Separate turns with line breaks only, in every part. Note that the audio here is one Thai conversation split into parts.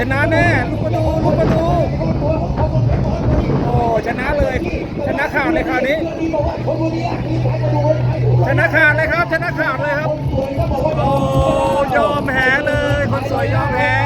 นะแน่ลูกประตูโอ้ชนะเลยชนะขาดเลยคราวนี้ชนะขาดเลยครับชนะขาดเลยครับโอ้ยอมแพ้เลยคนสวยยอมแพ้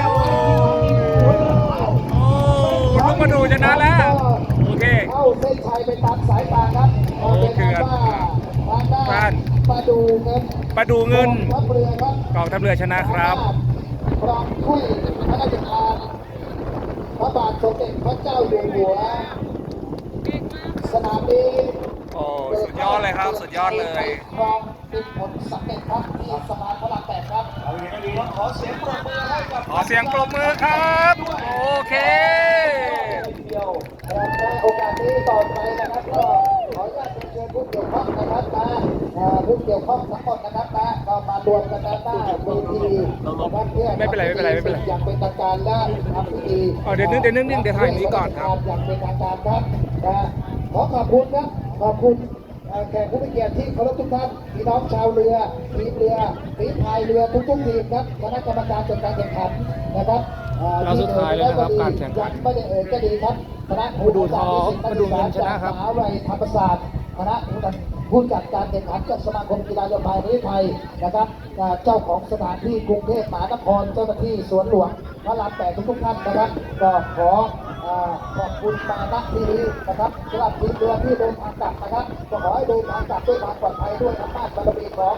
โอ้ลูกประตูชนะแล้วโอเค
เข้าเส้นชัยไปตามสายตาครับ
โอเคบ้าน
ประดูเงินทัพเรือครับ
กองทัพเรือชนะครับ
พร้อมคุยพระราชทานพระบาทสมเด็จพระเจ้าอยู่หัวสนามนี้
โอ้สุดยอดเลยครับสุดยอดเลย
ครองเป็นผลสำเร็จครับที่สภาพระราม8ครับเอาอย่างนี้ครับขอเสียงปรบมือให้กับ
ขอเสียงปรบมือครับโอเค
เดียวและโอกาสนี้ต่อไปนะครับก็ขออนุญาตเชิญผู้เกี่ยวข้องนะครับผู้เกี่ยวข้องทั้งหมดนะครับก็มารวมกันหน้าเวทีนะครับเพื่อ
ไม่เป็นไร
อย่างเป็นทางการและทำพิธี
เดี๋ยวถ่ายนี้ก่อนครับ
อย่างเป็นทางการครับขอขอบคุณครับขอบคุณแขกผู้มีเกียรติที่เคารพทุกท่านพี่น้องชาวเรือทีมเรือฝีพายเรือทุกทีมครับคณะกรรมการจัดการแข่งขันนะครับ
เราสุดท้ายแล้วนะครับการแข่งขัน
ไม่ได้ก็ดีครับคณะ
ผู้ดูทองผู้ดูเงินชนะครับ
มหาวิทยาลัยธรรมศาสตร์คณะผู้จัดการแข่งขันจากสมาคมกีฬาเรือพายประเทศไทยนะครับเจ้าของสถานที่กรุงเทพมหานครเจ้าหน้าที่สวนหลวงพระราม8ทุกท่านนะครับก็ขอขอบคุณมาณที่นี้นะครับสำหรับทีมเรือที่เดินทางกลับนะครับก็ขอให้เดินทางกลับด้วยความปลอดภัยด้วยอำนาจบารมีของ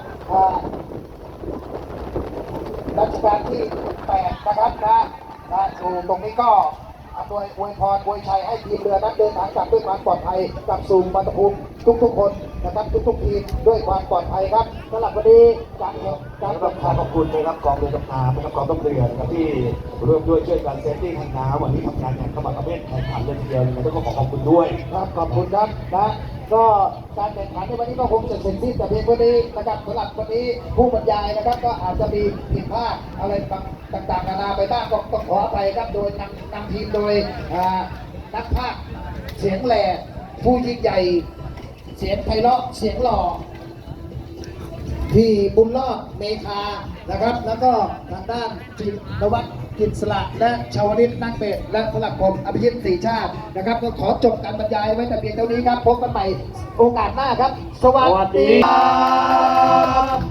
รัชกาลที่8นะครับอยู่ตรงนี้ก็อวยพรอวยชัยให้ทีมเรือนั้นเดินทางกลับด้วยความปลอดภัยกลับสู่บรรภูมิทุกคนนะครับทุกทีมด้วยความปลอดภัยครับสำหรับวันนี้การ
ขอบคุณนะครับกองเรือดำน้ำนะครับกองทัพเรือนะครับที่ร่วมด้วยช่วยกันเซฟตี้ทางน้ำวันนี้ทำงานอย่างขมักเขม้นแข่งขันเลยทีเดียวนะครับต้องขอบคุณด้วย
ครับขอบคุณครับก็การแข่งขันในวันนี้ก็คงจะเสร็จสิ้นแต่เพียงเท่านี้นะครับสำหรับวันนี้ผู้บรรยายนะครับก็อาจจะมีผิดพลาดอะไรต่างๆนานาไปบ้างก็ต้องขออภัยครับโดยนำทีมโดยนักพากย์เสียงแหล่ผู้ยิ่งใหญ่เสียงไพเราะเสียงหล่อพี่บุญรอดเมคานะครับแล้วก็ทางด้านจินวัฒน์กิจสละและชาวนิตนักเบสและสลับผมอภิชิตศรีชาตินะครับก็ขอจบการบรรยายไว้แต่เพียงเท่านี้ครับพบกันใหม่โอกาสหน้าครับสวัสดีครับ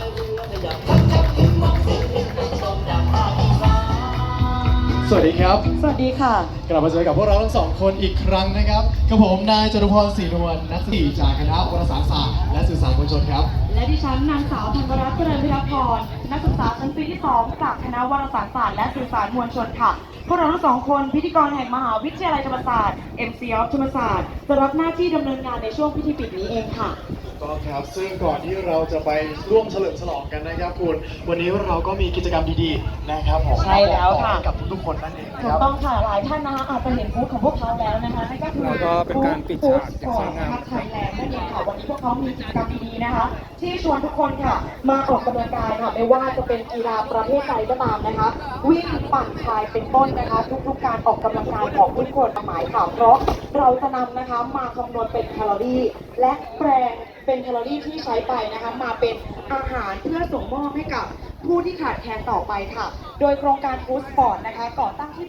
สวัสดีครับ
สวัสดีค่ะ
กลับมาเจอกับพวกเราทั้งสองคนอีกครั้งนะครับกับผมนายจตุพรศรีนวลนักศึกษาจากคณะวารสารศาสตร์และสื่อสารมวลชนครับ
และดิฉันนางสาวธัญรัตน์เจริญพิรพรนักศึกษาชั้นปีที่2จากคณะวารสารศาสตร์และสื่อสารมวลชนค่ะพวกเราทั้งสองคนพิธีกรแห่งมหาวิทยาลัยธรรมศาสตร์ MC of ธรรมศาสตร์จะรับหน้าที่ดำเนินงานในช่วงพิธีปิดนี้เองค่ะ
ก็ครับซึ่งก่อนที่เราจะไปร่วมเฉลิมฉลองกันนะครับคุณวันนี้เราก็มีกิจกรรมดีๆนะครับผม
ใช่แล้วค่ะ
กับทุกๆคนนั่นเอง
ถูกต้องค่ะหลายท่านนะคะอาจจะเห็นบูธของพวกเขาแล้วนะคะนั่นก็คือ
เป็นการปิดฉากอย่างสวยงาม
ไทยแลนด์นั่นเองค่ะวันนี้พวกเขามีกิจกรรมดีๆนะคะที่ชวนทุกคนค่ะมาออกกำลังกายค่ะไม่ว่าจะเป็นกีฬาประเภทใดก็ตามนะคะวิ่งปั่นพายเป็นต้นนะคะทุกๆการออกกำลังกายของทุกคนหมายค่ะเพราะเราจะนำนะคะมาคำนวณเป็นแคลอรี่และแปลงเป็นแคลอรี่ที่ใช้ไปนะคะมาเป็นอาหารเพื่อส่งมอบให้กับผู้ที่ขาดแคลนต่อไปค่ะโดยโครงการฟู้ดสปอร์ตนะคะก่อตั้งที่